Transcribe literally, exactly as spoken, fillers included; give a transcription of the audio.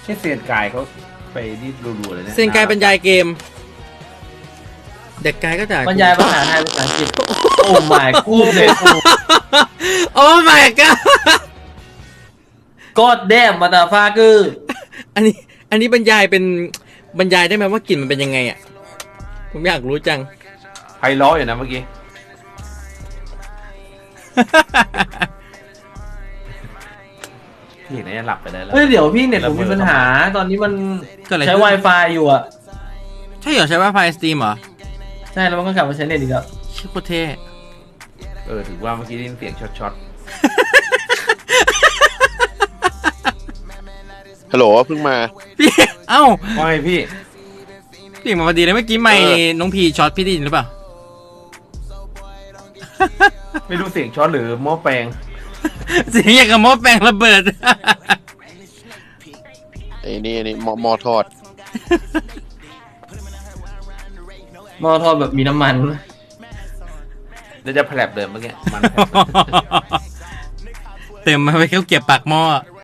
แค่เซียนกายเขาไปนี่รัวๆเลยเนี่ยเซนกายบรรยายเกม เด็กกายก็จะบรรยายภาษาไทยภาษาอังกฤษโอ้ my กูเลยโอ้ my god ก็แดมมาตาฟาคืออันนี้ อันนี้บรรยายเป็นบรรยายได้ไหมว่ากลิ่นมันเป็นยังไงอ่ะ ผมอยากรู้จังไพเราะอยู่นะเมื่อกี้พี่เห็นไหมหลับไปได้แล้วเฮ้ยเดี๋ยวพี่เน็ตผมมีปัญหาตอนนี้มันเกิดอะไรใช้ขึ้น Wi-Fi อยู่อ่ะใช่เหรอใช้ว่าไฟสตรีมเหรอใช่แล้วมันก็กลับมาใช้เน็ตอีกแล้วชื่อโคตรเท่เออถือว่าเมื่อกี้ได้ยินเสียงช็อตฮัลโหลเพิ่งมาพี่ เอ้าๆว่าไงพี่พี่มาพอดีเลยเมื่อกี้ไม่น้องพีช็อตพี่ได้ยินหรือเปล่าไม่รู้เสียงช็อตหรือหม้อแปลงเสียงอย่างกับหม้อแปลงระเบิดไอ้นี่นี่หมอหมอทอดหม้อทอดแบบมีน้ำมันเดี๋ยวจะแผลบเดิมเมื่อกี้มันแผลบเต็มมาไปเขาเก็บปากหม้อ